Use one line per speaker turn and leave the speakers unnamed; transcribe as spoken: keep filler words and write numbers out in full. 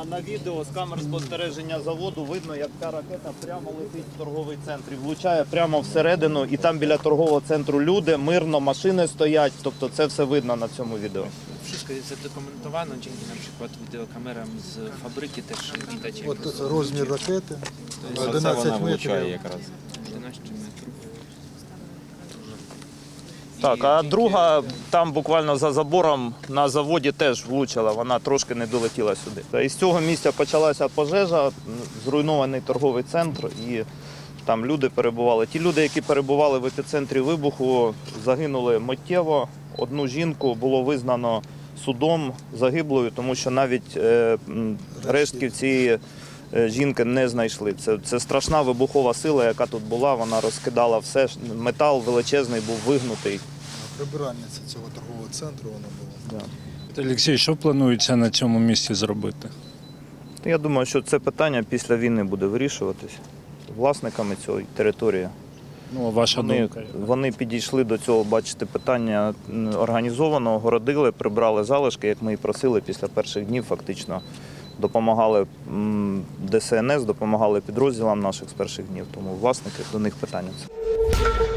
на, на відео з камер спостереження заводу видно, як ця ракета прямо летить в торговий центр і влучає прямо всередину. І там біля торгового центру люди, мирно, машини стоять. Тобто це все видно на цьому відео.
Wszystko jest zadokumentowane dzięki na przykład wideokamerom z fabryki też widać. jak
От розмір ракети
Це вона
одинадцять
влучає
метрів.
якраз.
czternaście metrów.
Так, а друга там буквально за забором на заводі теж влучила, вона трошки не долетіла сюди. Та із цього місця почалася пожежа, зруйнований торговий центр і там люди перебували. Ті люди, які перебували в епіцентрі вибуху, загинули миттєво. Одну жінку було визнано судом загиблою, тому що навіть е, м, рештків цієї е, жінки не знайшли. Це, це страшна вибухова сила, яка тут була, вона розкидала все. Метал величезний був вигнутий.
Прибиральниця цього торгового центру вона була.
Да.
Олексій, що планується на цьому місці зробити?
Я думаю, що це питання після війни буде вирішуватись власниками цієї території.
Ну, а ваша
Вони,
думка?
вони підійшли до цього, бачите, питання організовано, огородили, прибрали залишки, як ми і просили після перших днів, фактично допомагали м, ДСНС, допомагали підрозділам наших з перших днів. Тому власники, до них питання.